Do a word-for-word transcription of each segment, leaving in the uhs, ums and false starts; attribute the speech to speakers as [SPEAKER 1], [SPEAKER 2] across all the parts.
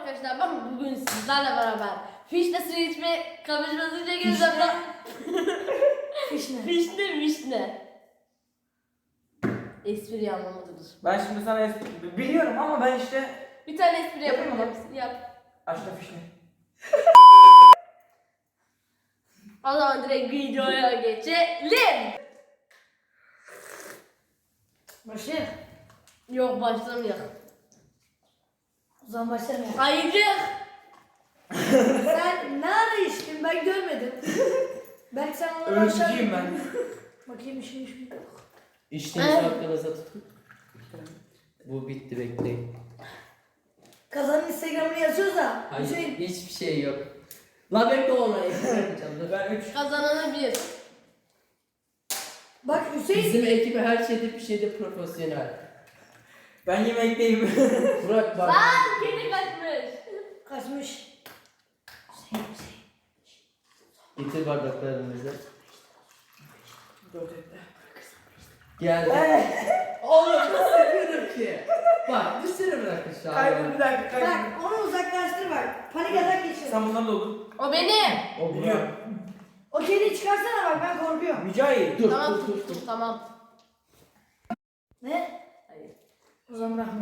[SPEAKER 1] arkadaşlar, ben bugün sizlerle beraber fişne suyu içme kapışması çekeceğiz.
[SPEAKER 2] Fişne.
[SPEAKER 1] Fişne vişne. Espri anlamadıdır.
[SPEAKER 3] Ben şimdi sana espri biliyorum ama ben işte
[SPEAKER 1] Bir tane espri
[SPEAKER 3] Yapayım
[SPEAKER 1] yapalım.
[SPEAKER 3] mı?
[SPEAKER 1] Yap.
[SPEAKER 3] aşkta fişne.
[SPEAKER 1] O zaman direkt videoya geçelim.
[SPEAKER 2] Başlayalım.
[SPEAKER 1] Yok, başlamayalım.
[SPEAKER 2] O zaman başlamayalım.
[SPEAKER 1] Haydi.
[SPEAKER 2] Sen ne ara içtin ben görmedim. Belki sen onu
[SPEAKER 3] Ölçücüyüm ben.
[SPEAKER 2] Bakayım işin işin.
[SPEAKER 4] İşinizi aklınıza tutun. Bu bitti, bekleyin.
[SPEAKER 2] Kazanın Instagram'ını yazıyoruz da.
[SPEAKER 4] Hayır,
[SPEAKER 2] Hüseyin.
[SPEAKER 4] hiçbir şey yok. La bekle ona, yapacağım. Dur.
[SPEAKER 3] Ben üç.
[SPEAKER 1] Kazananı bir.
[SPEAKER 2] Bak Hüseyin.
[SPEAKER 4] Bizim ekibi her şeyde bir şeyde profesyonel.
[SPEAKER 3] Ben yemekteyim.
[SPEAKER 4] Burak bak.
[SPEAKER 1] Lan kedi kaçmış.
[SPEAKER 2] Kaçmış.
[SPEAKER 4] Getir bardaklarımızı.
[SPEAKER 3] Dört etti.
[SPEAKER 4] Geldi. Oğlum nasıl yapıyorum ki? Bak dışarı bırakın şu an.
[SPEAKER 3] Kaybol bir dakika kaybol.
[SPEAKER 2] Bak onu uzaklaştır bak. Panik atak geçir.
[SPEAKER 3] Sen bundan da oldun.
[SPEAKER 1] O benim.
[SPEAKER 4] O
[SPEAKER 3] Biliyorum.
[SPEAKER 4] Burak.
[SPEAKER 2] O kediyi çıkarsana bak ben korkuyorum.
[SPEAKER 3] Mücahit.
[SPEAKER 4] Dur
[SPEAKER 1] Tamam,
[SPEAKER 4] dur dur. dur.
[SPEAKER 1] tamam.
[SPEAKER 2] Ne?
[SPEAKER 1] Hayır.
[SPEAKER 2] O zaman bırakma.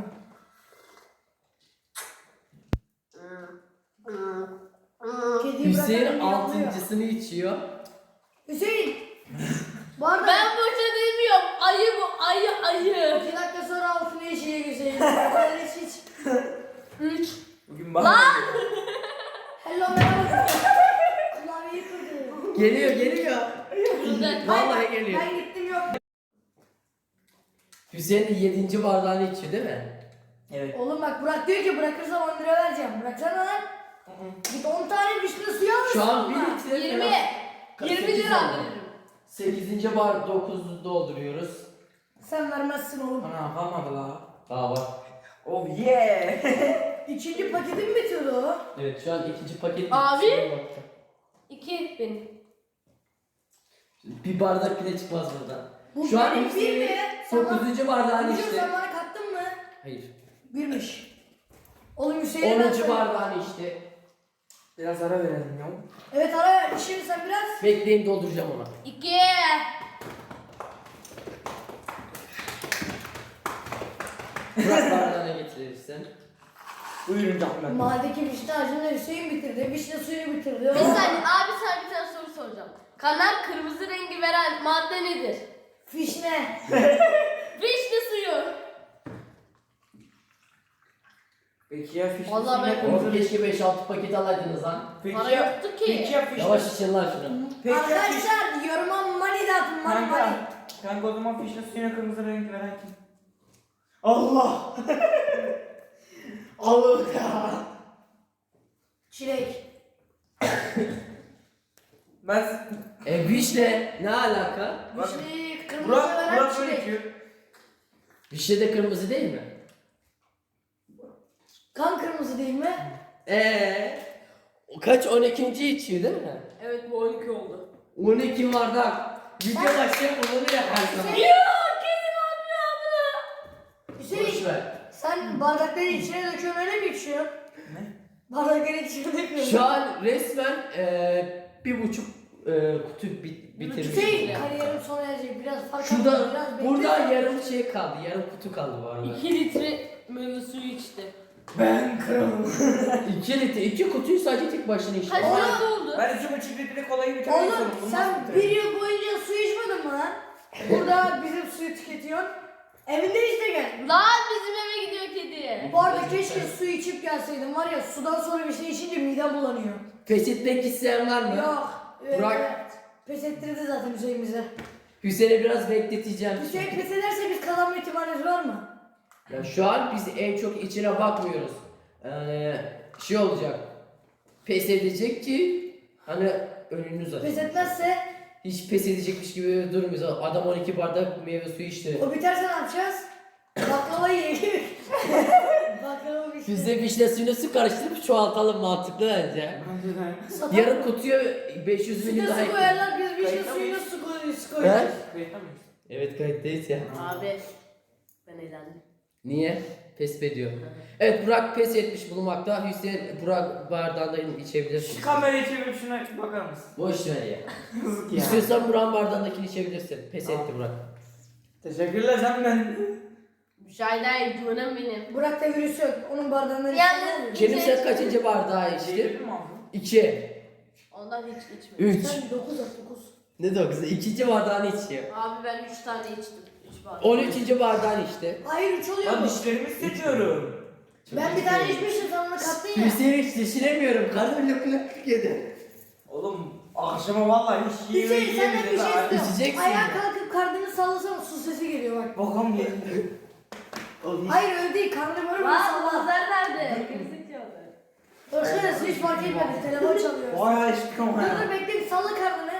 [SPEAKER 2] Kediyi
[SPEAKER 4] Hüseyin
[SPEAKER 2] bırakalım, yavruyor.
[SPEAKER 4] altıncısını içiyor.
[SPEAKER 2] Hüseyin. Bu arada
[SPEAKER 1] Ben boşa demiyorum. Ayı bu, ayı ayı.
[SPEAKER 2] iki dakika sonra altını yeşile Hüseyin. Ben hiç hiç.
[SPEAKER 1] Üç.
[SPEAKER 3] Bugün bana.
[SPEAKER 2] Hello merhaba. Klavyeyi kırdı.
[SPEAKER 4] Geliyor geliyor.
[SPEAKER 1] Güzel.
[SPEAKER 4] Vallahi geliyor.
[SPEAKER 2] Ben gittim yok.
[SPEAKER 4] Hüseyin yedinci bardağını içiyor değil mi?
[SPEAKER 3] Evet.
[SPEAKER 2] Oğlum bak Burak diyor ki bırakırsam on lira vereceğim. Bıraksana lan. Git on tane vişne suyu alırsın.
[SPEAKER 4] Şu an bir
[SPEAKER 2] onunla.
[SPEAKER 4] litre
[SPEAKER 1] Yirmi.
[SPEAKER 4] Kaç-
[SPEAKER 1] Yirmi
[SPEAKER 4] sekiz
[SPEAKER 1] lira
[SPEAKER 4] oldu.
[SPEAKER 1] veririm.
[SPEAKER 4] sekizinci bar dokuzu dolduruyoruz.
[SPEAKER 2] Sen vermezsin oğlum.
[SPEAKER 3] Ana kalmadı la.
[SPEAKER 4] Aa bak.
[SPEAKER 3] Oh yeah.
[SPEAKER 2] İkinci paketim bitiyordu o.
[SPEAKER 4] Evet şu an ikinci paket.
[SPEAKER 1] Abi.
[SPEAKER 4] Şuna bak.
[SPEAKER 1] İki benim.
[SPEAKER 4] Bir bardak bile çıkmaz buradan.
[SPEAKER 2] Bu
[SPEAKER 4] Şu an
[SPEAKER 2] benim bir
[SPEAKER 4] Hüseyin
[SPEAKER 2] mi? Sana-
[SPEAKER 4] dokuzuncu bardağını
[SPEAKER 2] Hüseyin
[SPEAKER 4] içti.
[SPEAKER 2] sen bana kattın mı?
[SPEAKER 4] Hayır.
[SPEAKER 2] Birmiş. Oğlum Hüseyin'e ben
[SPEAKER 4] onuncu
[SPEAKER 2] sana-
[SPEAKER 4] bardağını içti.
[SPEAKER 3] Biraz ara verelim ya.
[SPEAKER 2] Evet ara ver. Şimdi sen biraz.
[SPEAKER 4] Bekleyin dolduracağım ona.
[SPEAKER 1] İki.
[SPEAKER 4] Bırak bardağına getirirsin.
[SPEAKER 3] Buyurun Ahmet.
[SPEAKER 2] Mahalledeki vişne ağacını Hüseyin bitirdi. Vişne suyunu bitirdi.
[SPEAKER 1] Bir saniye abi, sana bir tane soru soracağım. Kanal kırmızı rengi veren madde nedir?
[SPEAKER 2] Fişne.
[SPEAKER 1] Vişne suyu.
[SPEAKER 3] Peki ya fişne
[SPEAKER 1] Vallahi
[SPEAKER 3] suyu ne
[SPEAKER 1] ben-
[SPEAKER 4] Oğlum
[SPEAKER 3] kırmızı?
[SPEAKER 4] keşke beş altı paket alaydınız lan.
[SPEAKER 3] Peki
[SPEAKER 1] Para
[SPEAKER 3] ya.
[SPEAKER 1] yoktu ki.
[SPEAKER 3] Peki ya fişne.
[SPEAKER 4] Yavaş için lan şunu.
[SPEAKER 3] Peki ya fişne.
[SPEAKER 2] Arkadaşlar yoruma money de atın. Money money.
[SPEAKER 3] Kanka. Kanka o zaman fişne suyuna kırmızı renk veren kim? Allah. Allah ya.
[SPEAKER 2] Çilek.
[SPEAKER 3] Ben
[SPEAKER 4] E vişne ne alaka?
[SPEAKER 3] Bak,
[SPEAKER 2] Vişneyi kırmızı
[SPEAKER 3] Burak,
[SPEAKER 2] veren
[SPEAKER 3] Burak böyle
[SPEAKER 2] çilek.
[SPEAKER 3] içiyor.
[SPEAKER 4] Vişne de kırmızı değil mi?
[SPEAKER 2] Kan kırmızı değil mi?
[SPEAKER 4] Eee? Kaç on ikinci içiyor değil mi?
[SPEAKER 1] Evet, bu on iki oldu.
[SPEAKER 4] on iki bardak. Video başlayıp onları yaparsın.
[SPEAKER 1] Yok, kedim atmıyor abla.
[SPEAKER 4] Boş
[SPEAKER 2] Hüseyin
[SPEAKER 4] ver.
[SPEAKER 2] sen bardakları içine döküyorsun öyle mi içiyorsun?
[SPEAKER 3] Ne?
[SPEAKER 2] Bardakları içine döküyorsun.
[SPEAKER 4] Şu an resmen eee bir buçuk eee kutu bit bitirmiş.
[SPEAKER 2] Hüseyin kariyerim sona erecek. Biraz fark
[SPEAKER 4] Şurada,
[SPEAKER 2] atma, biraz bekle.
[SPEAKER 4] burada yarım şey kaldı, yarım kutu kaldı bu arada.
[SPEAKER 1] İki litre meyve suyu içti.
[SPEAKER 3] Ben kralım.
[SPEAKER 4] iki litre, iki kutuyu sadece tek başına içti.
[SPEAKER 1] Kaç
[SPEAKER 2] Oğlum.
[SPEAKER 1] litre oldu?
[SPEAKER 3] Ben iki buçuk litre kolayı bitirmek
[SPEAKER 2] Oğlum
[SPEAKER 3] istiyorum. Bunu
[SPEAKER 2] sen
[SPEAKER 3] nasıl
[SPEAKER 2] bir
[SPEAKER 3] bitirelim?
[SPEAKER 2] yıl boyunca su içmedin mi lan? Burada bizim suyu tüketiyorsun. Evinde işte gel.
[SPEAKER 1] Lan bizim eve gidiyor kedi.
[SPEAKER 2] Bu arada keşke su içip gelseydin var ya sudan sonra bir şey içince midem bulanıyor.
[SPEAKER 4] Pes etmek isteyen var mı?
[SPEAKER 2] Yok. Evet,
[SPEAKER 4] Burak.
[SPEAKER 2] evet. Pes ettirdi zaten Hüseyin bize.
[SPEAKER 4] Hüseyin'e biraz bekleteceğim.
[SPEAKER 2] Hüseyin pes ederse biz kazanma ihtimalimiz var mı?
[SPEAKER 4] Ya şu an biz en çok içine bakmıyoruz. Yani şey olacak. Pes edecek ki hani önünüz açık.
[SPEAKER 2] Pes etmezse
[SPEAKER 4] Hiç pes edecekmiş gibi durmuyoruz. Adam on iki bardak meyve suyu içti.
[SPEAKER 2] o biterse ne yapacağız? Baklava yiyelim. Baklava bir şey.
[SPEAKER 4] Biz de vişne suyunu su karıştırıp çoğaltalım, mantıklı bence.
[SPEAKER 2] Satalım.
[SPEAKER 4] Yarım kutuya beş yüz milyon
[SPEAKER 2] Süte
[SPEAKER 4] daha
[SPEAKER 2] su
[SPEAKER 4] ekleyelim.
[SPEAKER 2] koyarlar biz bir şey
[SPEAKER 3] Kayıtta
[SPEAKER 2] suyuna
[SPEAKER 3] mıyız?
[SPEAKER 2] su koyuyoruz. su
[SPEAKER 4] He?
[SPEAKER 2] koyuyoruz.
[SPEAKER 3] Kayıtta mıyız?
[SPEAKER 4] Evet kayıttayız ya.
[SPEAKER 1] Abi ben eğlendim.
[SPEAKER 4] Niye? pes ediyor. Evet Burak pes etmiş bulunmakta. Hüseyin Burak bardağından içebilirsin.
[SPEAKER 3] Şu kamerayı çevirip şuna bakar mısın?
[SPEAKER 4] Boş ver ya.
[SPEAKER 3] Yazık ya.
[SPEAKER 4] İstiyorsan Burak'ın bardağındakini içebilirsin. Pes etti Burak.
[SPEAKER 3] Teşekkürler senden.
[SPEAKER 1] Müşahede canım benim.
[SPEAKER 2] Burak'ta virüs yok. Onun bardağından
[SPEAKER 1] Yalnız-
[SPEAKER 4] Kerim sen kaçıncı bardağı içti?
[SPEAKER 3] Çevirdin mi abi?
[SPEAKER 4] İki.
[SPEAKER 1] Ondan hiç içmedim.
[SPEAKER 4] Üç.
[SPEAKER 2] Sen dokuz at dokuz.
[SPEAKER 4] Ne dokuzu? İkinci bardağını içiyor.
[SPEAKER 1] Abi ben üç tane içtim. üç bardak.
[SPEAKER 4] On üçüncü bardağını içti.
[SPEAKER 2] Hayır üç oluyor
[SPEAKER 3] Lan
[SPEAKER 2] mu?
[SPEAKER 3] dişlerimi hissediyorum.
[SPEAKER 2] Ben bir tane içmiştim sen onu kattın ya.
[SPEAKER 4] Hüseyin hiç düşünemiyorum. Karnım löp löp yedi.
[SPEAKER 3] Oğlum akşama vallahi hiç yemeği
[SPEAKER 2] Hüseyin senden bir şey
[SPEAKER 3] yemedi.
[SPEAKER 2] istiyorum.
[SPEAKER 4] İçeceksin
[SPEAKER 2] Ayağa
[SPEAKER 4] ya.
[SPEAKER 2] kalkıp karnını sallasana su sesi geliyor bak.
[SPEAKER 3] Bakalım geldi. Oğlum hiç-
[SPEAKER 2] Hayır öyle değil karnını böyle bir
[SPEAKER 1] Lan
[SPEAKER 2] salla.
[SPEAKER 1] bazılar nerede? Gerizekalı.
[SPEAKER 2] Arkadaşlar hiç fark etmedi telefon çalıyor.
[SPEAKER 3] Vay aşkım
[SPEAKER 2] Dur
[SPEAKER 3] ya.
[SPEAKER 2] dur bekle bir salla karnını.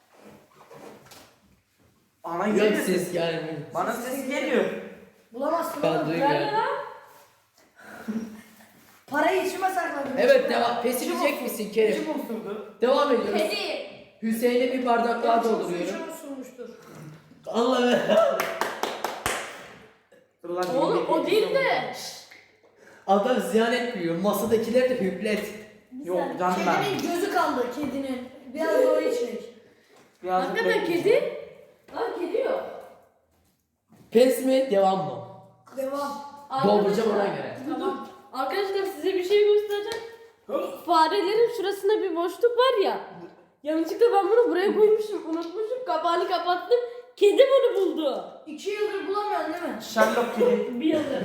[SPEAKER 3] Bana
[SPEAKER 4] Yok
[SPEAKER 3] geliyor.
[SPEAKER 4] ses gelmiyor.
[SPEAKER 3] Bana ses geliyor.
[SPEAKER 2] Bulamazsın
[SPEAKER 4] Ben
[SPEAKER 2] oğlum.
[SPEAKER 1] Nerede
[SPEAKER 4] duymuyorum.
[SPEAKER 1] lan?
[SPEAKER 2] Parayı içime sakladım.
[SPEAKER 4] Evet
[SPEAKER 2] İçime.
[SPEAKER 4] devam. Pes
[SPEAKER 2] İçim
[SPEAKER 4] edecek
[SPEAKER 2] olsun.
[SPEAKER 4] misin Kerim?
[SPEAKER 3] Kim osurdu?
[SPEAKER 4] Devam ediyoruz.
[SPEAKER 1] Kedi.
[SPEAKER 4] Hüseyin'e bir bardak daha dolduruyorum.
[SPEAKER 2] İçim osurmuştur.
[SPEAKER 4] Allah'ım.
[SPEAKER 3] Dur lan,
[SPEAKER 1] Oğlum
[SPEAKER 3] yemek
[SPEAKER 1] o değil
[SPEAKER 3] yiyeceğim.
[SPEAKER 1] de.
[SPEAKER 4] Adam ziyan etmiyor. Masadakileri de hüplet.
[SPEAKER 3] Yok canım ben.
[SPEAKER 2] Kedinin gözü kaldı kedinin. Biraz da o içmek.
[SPEAKER 3] Biraz
[SPEAKER 1] Hakikaten kedi. Lan kedi yok.
[SPEAKER 4] Pes mi? Devam mı?
[SPEAKER 2] Devam.
[SPEAKER 4] Dolduracağım ona
[SPEAKER 1] Arkadaşlar-
[SPEAKER 4] göre.
[SPEAKER 1] Tamam. Arkadaşlar size bir şey göstereceğim. Farelerin şurasında bir boşluk var ya. Yanlışlıkla ben bunu buraya koymuşum. Unutmuşum. Kapağını kapattım. Kedi bunu buldu.
[SPEAKER 2] İki yıldır bulamıyorsun değil mi?
[SPEAKER 3] Sherlock kedi.
[SPEAKER 1] Bir yıldır.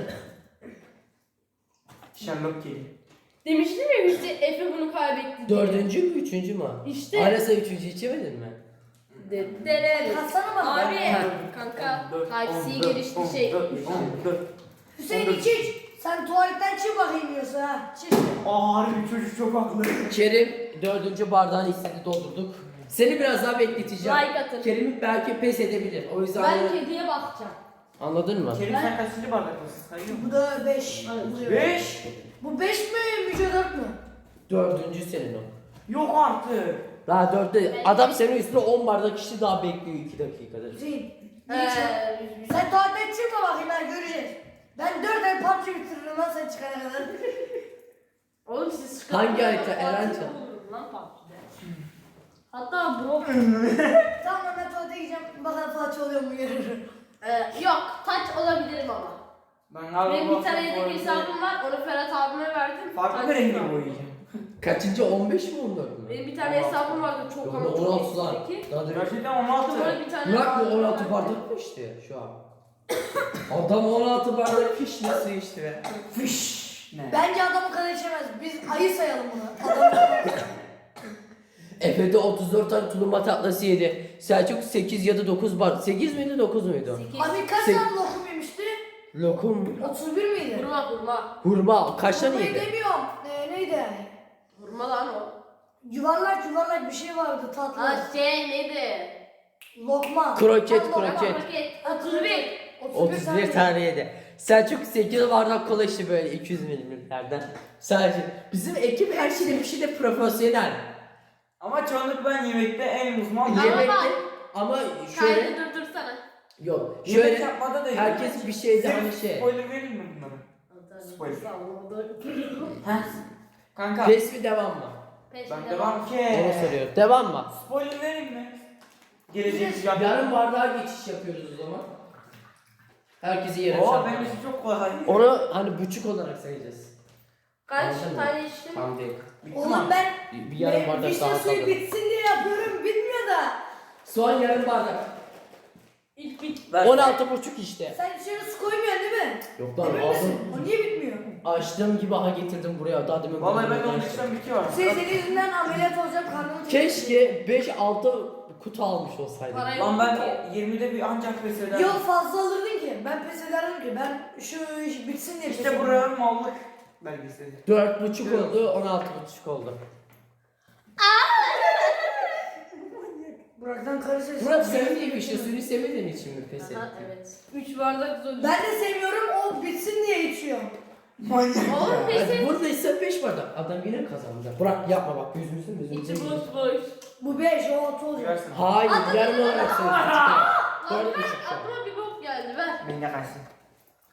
[SPEAKER 3] Sherlock kedi.
[SPEAKER 1] Demiştim ya işte Efe bunu kaybetti diye.
[SPEAKER 4] Dördüncü mü? Üçüncü mü?
[SPEAKER 1] İşte.
[SPEAKER 4] Arasa üçüncü içemedin mi?
[SPEAKER 1] De- de-
[SPEAKER 2] Katsana bana.
[SPEAKER 1] Abi kanka Type-C gelişti şey.
[SPEAKER 2] Hüseyin iç iç. Sen tuvaletten çık bakayım yiyorsa ha. Çık.
[SPEAKER 3] Aa harbi çocuk çok haklı.
[SPEAKER 4] Kerim dördüncü bardağını istedi doldurduk. Seni biraz daha bekleteceğim.
[SPEAKER 1] Like atın.
[SPEAKER 4] Kerim belki pes edebilir. O yüzden
[SPEAKER 1] Ben kediye bakacağım.
[SPEAKER 4] anladın mı?
[SPEAKER 3] Kerim sen kaçıncı bardaktasın? Sayıyor musun?
[SPEAKER 2] Bu da beş.
[SPEAKER 3] Beş.
[SPEAKER 2] Bu beş mi? Müce dört mü?
[SPEAKER 4] Dördüncü senin o.
[SPEAKER 3] Yok artık.
[SPEAKER 4] Daha dörtte adam senin üstüne on bardak kişi daha bekliyor iki dakikada.
[SPEAKER 2] Hüseyin.
[SPEAKER 1] Ee,
[SPEAKER 2] Ee, sen tuvaletten çıkma bakayım ben göreceğiz. Ben dört ay P U B G bitiririm lan sen çıkana kadar.
[SPEAKER 1] Oğlum siz
[SPEAKER 4] Hangi
[SPEAKER 1] çıkartın.
[SPEAKER 4] harita? Erencan.
[SPEAKER 1] Lan P U B G'de. Hatta bro.
[SPEAKER 2] Tamam lan ben tuvalete gideceğim. Bakalım Fatih oluyor mu görürüm.
[SPEAKER 1] Ee, yok taç olabilirim ama.
[SPEAKER 3] Ben galiba
[SPEAKER 1] Benim
[SPEAKER 3] bu
[SPEAKER 1] bir tane
[SPEAKER 3] hafta
[SPEAKER 1] yedek
[SPEAKER 3] bu
[SPEAKER 1] hesabım var. Onu Ferhat abime verdim.
[SPEAKER 3] Farklı
[SPEAKER 1] Taç
[SPEAKER 3] bir rengi
[SPEAKER 1] var.
[SPEAKER 3] boyayacağım.
[SPEAKER 4] Kaçıncı on beş mi on dört mü?
[SPEAKER 1] Benim bir tane hesabım vardı çok
[SPEAKER 4] Yok
[SPEAKER 1] ama
[SPEAKER 4] on
[SPEAKER 1] çok
[SPEAKER 4] altı lan.
[SPEAKER 1] eskideki.
[SPEAKER 4] Daha da
[SPEAKER 3] Gerçekten on altı.
[SPEAKER 1] Sonra bir tane
[SPEAKER 4] Burak mı
[SPEAKER 1] hesabım
[SPEAKER 4] on altı
[SPEAKER 1] vardı.
[SPEAKER 4] bardak mı içti şu an? Adam on altı bardak fiş nasıl içti be?
[SPEAKER 3] Fiş. Ne?
[SPEAKER 2] Bence adam o kadar içemez. Biz ayı sayalım bunu. Adam
[SPEAKER 4] Efe'de otuz dört tane tulumba tatlısı yedi. Selçuk sekiz ya da dokuz bardak. sekiz miydi dokuz muydu?
[SPEAKER 1] Sekiz.
[SPEAKER 2] Abi kaç
[SPEAKER 4] Sek-
[SPEAKER 2] tane lokum yemişti?
[SPEAKER 4] Lokum.
[SPEAKER 2] otuz bir miydi?
[SPEAKER 1] Hurma hurma.
[SPEAKER 4] Hurma. Kaç tane
[SPEAKER 2] Lokmayı
[SPEAKER 4] yedi?
[SPEAKER 2] demiyorum. Ee, neydi?
[SPEAKER 1] Hurma lan o.
[SPEAKER 2] Yuvarlak yuvarlak bir şey vardı tatlı.
[SPEAKER 1] Ha şey neydi?
[SPEAKER 2] Lokma.
[SPEAKER 4] Kroket,
[SPEAKER 2] Tam lokma.
[SPEAKER 4] kroket.
[SPEAKER 1] Paket. otuz bir.
[SPEAKER 4] otuz bir tane yedi. Selçuk sekiz bardak kola içti böyle iki yüz milimetrelerden. Selçuk. Bizim ekip her şeyde bir şeyde profesyonel.
[SPEAKER 3] Ama çoğunluk ben yemekte en uzman.
[SPEAKER 1] Ama
[SPEAKER 3] Yemek,
[SPEAKER 4] Yemekte
[SPEAKER 1] bak.
[SPEAKER 4] ama şöyle
[SPEAKER 1] Kaydı durdursana.
[SPEAKER 4] yok.
[SPEAKER 3] yemek
[SPEAKER 4] Şöyle
[SPEAKER 3] yapmada da iyi.
[SPEAKER 4] herkes bir şeyde
[SPEAKER 3] Size
[SPEAKER 4] hani şey.
[SPEAKER 3] Spoiler vereyim mi bunlara? Spoiler. Heh. Kanka.
[SPEAKER 4] Pes mi devam mı?
[SPEAKER 3] Ben devam ki.
[SPEAKER 4] Onu soruyor. Devam mı?
[SPEAKER 3] Spoiler vereyim mi? Gelecek
[SPEAKER 4] Yarın bardağa geçiş yapıyoruz o zaman. Herkesi yere
[SPEAKER 3] Oo
[SPEAKER 4] çarpar.
[SPEAKER 3] benim için çok kolay.
[SPEAKER 4] Onu hani buçuk olarak sayacağız.
[SPEAKER 1] Kaç
[SPEAKER 4] Anladın mı?
[SPEAKER 1] tane içtin?
[SPEAKER 4] Tam değil.
[SPEAKER 3] Bitti
[SPEAKER 2] Oğlum
[SPEAKER 3] mi?
[SPEAKER 2] ben
[SPEAKER 4] Bir yarım
[SPEAKER 2] ben
[SPEAKER 4] bardak
[SPEAKER 2] vişne
[SPEAKER 4] daha
[SPEAKER 2] suyu
[SPEAKER 4] fazla.
[SPEAKER 2] bitsin diye yapıyorum bitmiyor da.
[SPEAKER 4] Son yarım bardak.
[SPEAKER 1] İlk bit.
[SPEAKER 3] Ver.
[SPEAKER 4] on altı buçuk işte.
[SPEAKER 2] Sen içeri su koymuyorsun değil mi?
[SPEAKER 4] Yok lan
[SPEAKER 2] Emin misin?
[SPEAKER 4] aldım.
[SPEAKER 2] O niye bitmiyor?
[SPEAKER 4] Açtığım gibi aha getirdim buraya. Daha demin
[SPEAKER 3] Vallahi ben
[SPEAKER 4] gözümden
[SPEAKER 3] onun
[SPEAKER 4] açtım.
[SPEAKER 3] içten bitiyor.
[SPEAKER 2] Senin senin yüzünden ameliyat olacağım karnımı
[SPEAKER 4] Keşke beş altı kutu almış olsaydım.
[SPEAKER 1] Parayı-
[SPEAKER 3] Lan ben yirmide bir ancak pes ederim.
[SPEAKER 2] Yok fazla alırdın ki. Ben pes ederdim ki. Ben şu iş bitsin diye pes
[SPEAKER 3] İşte
[SPEAKER 2] ederim.
[SPEAKER 3] buraya mallık belgeseli.
[SPEAKER 4] Dört buçuk oldu, on altı buçuk oldu.
[SPEAKER 2] Burak'tan karı sesi.
[SPEAKER 4] Murat sevdiğim işte suyunu sevmediğin için mi pes ettin?
[SPEAKER 1] Aha evet. üç bardak zor.
[SPEAKER 2] Ben de sevmiyorum o bitsin diye içiyorum.
[SPEAKER 3] Manyak
[SPEAKER 1] Oğlum
[SPEAKER 3] ya.
[SPEAKER 1] pes
[SPEAKER 4] Hadi
[SPEAKER 1] et.
[SPEAKER 4] burada ise beş bardak. Adam yine kazandı. Burak yapma bak yüzümüzün yüzümüzün.
[SPEAKER 1] İçi boş boş.
[SPEAKER 2] Bu beş o altı olacak.
[SPEAKER 3] Versin.
[SPEAKER 4] Hayır
[SPEAKER 1] Adam-
[SPEAKER 4] yarım olarak söyleyeceğim.
[SPEAKER 1] Lan
[SPEAKER 4] Dört
[SPEAKER 1] ver
[SPEAKER 4] buçuk şu an.
[SPEAKER 1] aklıma bir bok geldi ver.
[SPEAKER 3] Beni de kaçsın.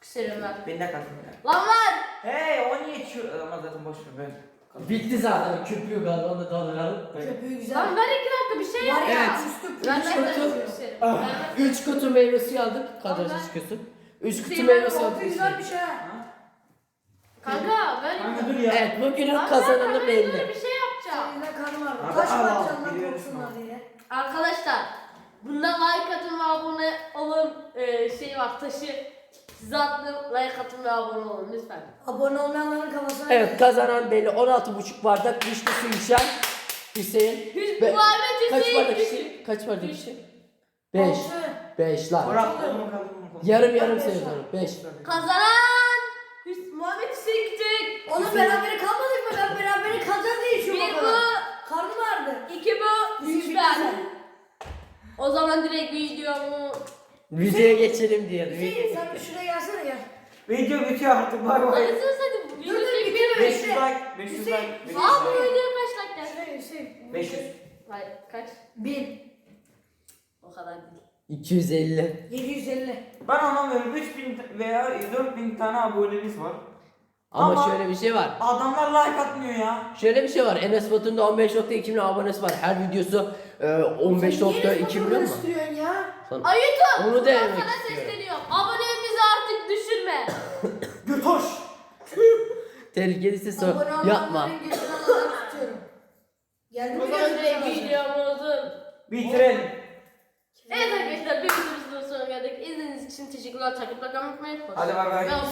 [SPEAKER 1] Küserim ben.
[SPEAKER 3] Beni de katın ya.
[SPEAKER 1] Lan lan!
[SPEAKER 3] Hey o niye şu... Ama zaten boş ver ben.
[SPEAKER 4] Bitti zaten köpüğü galiba onu da dolduralım.
[SPEAKER 2] Köpüğü güzel.
[SPEAKER 1] Lan ver iki dakika bir şey yap
[SPEAKER 2] Var
[SPEAKER 1] ya.
[SPEAKER 2] ya
[SPEAKER 4] Evet.
[SPEAKER 2] üstü
[SPEAKER 1] Ben
[SPEAKER 2] pürüzsüz.
[SPEAKER 1] nereden
[SPEAKER 4] kutu.
[SPEAKER 1] küserim?
[SPEAKER 4] Ah,
[SPEAKER 1] Ben-
[SPEAKER 4] Üç kutu meyve suyu aldık. Kadraj
[SPEAKER 1] Tamam.
[SPEAKER 4] çıkıyorsun. Üç kutu
[SPEAKER 1] Hüseyin
[SPEAKER 4] meyve
[SPEAKER 1] abi,
[SPEAKER 4] suyu
[SPEAKER 2] Altı
[SPEAKER 4] aldık.
[SPEAKER 2] güzelmiş ha.
[SPEAKER 1] Kanka ver.
[SPEAKER 3] Kanka dur ya.
[SPEAKER 4] Evet bugünün
[SPEAKER 1] Lan ben
[SPEAKER 4] kazananı
[SPEAKER 1] kamerayı
[SPEAKER 4] belli.
[SPEAKER 1] böyle bir şey yapacağım.
[SPEAKER 2] Seninle karnım var.
[SPEAKER 3] Abi,
[SPEAKER 2] Taş
[SPEAKER 3] al, al,
[SPEAKER 2] parçalarından
[SPEAKER 3] biliyorum
[SPEAKER 2] korksunlar
[SPEAKER 3] abi.
[SPEAKER 2] diye.
[SPEAKER 1] Arkadaşlar bunda like atın ve abone olun ee, şey var taşı size attım like atın ve abone olun lütfen.
[SPEAKER 2] Abone olmayanların kafasına.
[SPEAKER 4] Evet kazanan belli. on altı buçuk bardak vişne suyu içen Hüseyin.
[SPEAKER 1] Hüs
[SPEAKER 4] Be-
[SPEAKER 1] Muhammed
[SPEAKER 4] Kaç
[SPEAKER 1] Hüseyin
[SPEAKER 4] bardak
[SPEAKER 1] Hüseyin.
[SPEAKER 4] içtin? Kaç bardak
[SPEAKER 1] Üç.
[SPEAKER 4] içtin? Beş.
[SPEAKER 2] Altı.
[SPEAKER 4] Beş lan.
[SPEAKER 3] Bırak onu kalın.
[SPEAKER 4] Yarım yarım
[SPEAKER 2] Beş.
[SPEAKER 4] sayıyorum. Beş.
[SPEAKER 1] Kazanan Hüs Muhammed Hüseyin gidecek.
[SPEAKER 2] Oğlum berabere kalmadık mı? Ben berabere kalacağız diye
[SPEAKER 1] Bir
[SPEAKER 2] içiyorum o
[SPEAKER 1] bu,
[SPEAKER 2] kadar. Karnım ağrıdı.
[SPEAKER 1] iki bu,
[SPEAKER 2] Hüseyin
[SPEAKER 1] üç
[SPEAKER 2] bitti
[SPEAKER 1] ben.
[SPEAKER 2] sen.
[SPEAKER 1] O zaman direkt videomu
[SPEAKER 4] Videoya geçelim diye.
[SPEAKER 2] Hüseyin sen bir şuraya gelsene gel.
[SPEAKER 3] Video bitiyor artık bay bay.
[SPEAKER 1] Anasını satayım.
[SPEAKER 2] Dur
[SPEAKER 1] Video
[SPEAKER 2] dur
[SPEAKER 1] çekmiyor.
[SPEAKER 2] bitirme
[SPEAKER 3] beş yüz
[SPEAKER 2] işte.
[SPEAKER 3] like. beş yüz
[SPEAKER 2] Hüseyin,
[SPEAKER 3] like. beş yüz
[SPEAKER 1] Aa bu
[SPEAKER 3] like.
[SPEAKER 1] videoya kaç like geldi?
[SPEAKER 2] Hüseyin Hüseyin.
[SPEAKER 3] beş yüz.
[SPEAKER 1] Hayır kaç?
[SPEAKER 2] Bin.
[SPEAKER 1] O kadar değil.
[SPEAKER 4] iki yüz elli.
[SPEAKER 2] Yedi yüz elli.
[SPEAKER 3] Ben anlamıyorum. üç bin veya dört bin tane abonemiz var.
[SPEAKER 4] Ama,
[SPEAKER 3] Ama-
[SPEAKER 4] şöyle bir şey var.
[SPEAKER 3] Adamlar like atmıyor ya.
[SPEAKER 4] Şöyle bir şey var. Enes Batur'un da on beş nokta iki milyon abonesi var. Her videosu e, on beş nokta iki milyon mu?
[SPEAKER 2] istiyorsun ya?
[SPEAKER 4] Son-
[SPEAKER 1] Ay YouTube.
[SPEAKER 4] Onu
[SPEAKER 1] buradan
[SPEAKER 4] denemek
[SPEAKER 1] sana
[SPEAKER 4] istiyorum.
[SPEAKER 1] sesleniyorum. Abonemizi artık düşürme.
[SPEAKER 3] Götoş.
[SPEAKER 4] Tehlikelisi sor.
[SPEAKER 2] Abone
[SPEAKER 4] Yapma.
[SPEAKER 2] olmayanların gözünden olarak tutuyorum. Geldi mi
[SPEAKER 1] O zaman direkt
[SPEAKER 2] gözünden
[SPEAKER 1] videomuzun.
[SPEAKER 3] Bitirelim.
[SPEAKER 1] Evet arkadaşlar bir videomuzun sonuna geldik. İzlediğiniz için teşekkürler. Takipte kalmayı unutmayın.
[SPEAKER 3] Hadi bay bay.
[SPEAKER 1] Ve